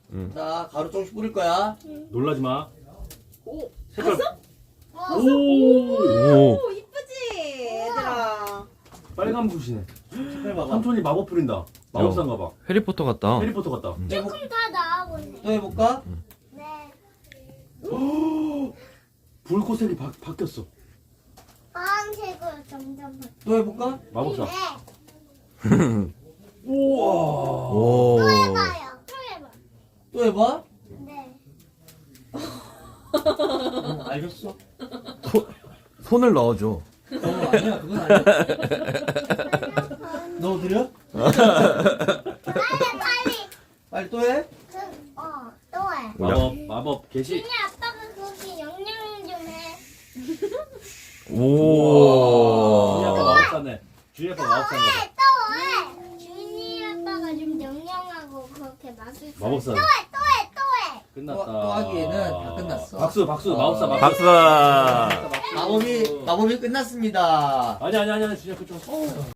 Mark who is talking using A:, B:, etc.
A: 자, 가루 조금씩 뿌릴 거야.
B: 놀라지 마.
C: 오,
B: 색깔.
C: 봤어?
B: 오.
C: 오, 이쁘지, 얘들아.
B: 빨간 붓이네.
A: 색깔 봐봐.
B: 삼촌이 마법 부린다. 마법사인가 봐.
D: 해리포터 같다.
B: 해리포터 같다.
E: 조금 다 나와보네.
A: 또 해볼까?
E: 네.
B: 불꽃색이 바뀌었어.
E: 파란색으로 점점 바뀌어.
A: 또 해볼까?
B: 마법사.
E: 네.
B: 우와.
D: 오.
E: 또 해봐요. 또 해봐.
A: 또 해봐?
E: 네.
A: 알겠어.
D: 손을 넣어줘.
A: 아니야, 그건 아니야. 넣어드려?
E: 빨리.
A: 빨리 또 해?
E: 또 해.
B: 마법 개시.
E: 준이 아빠가 거기 영양 좀 해.
B: 준이 아빠
D: 오.
B: 마법사네. 준이 아빠 마법사인가 봐.
E: 또 해. 준이 아빠가 좀 영양하고 그렇게 맛있어.
B: 마법사.
E: 또 해.
B: 끝났다.
A: 또 하기에는 다 끝났어.
B: 박수 마법사 마법.
D: 박수.
A: 마법이 끝났습니다.
B: 아니 준이 아빠 좀.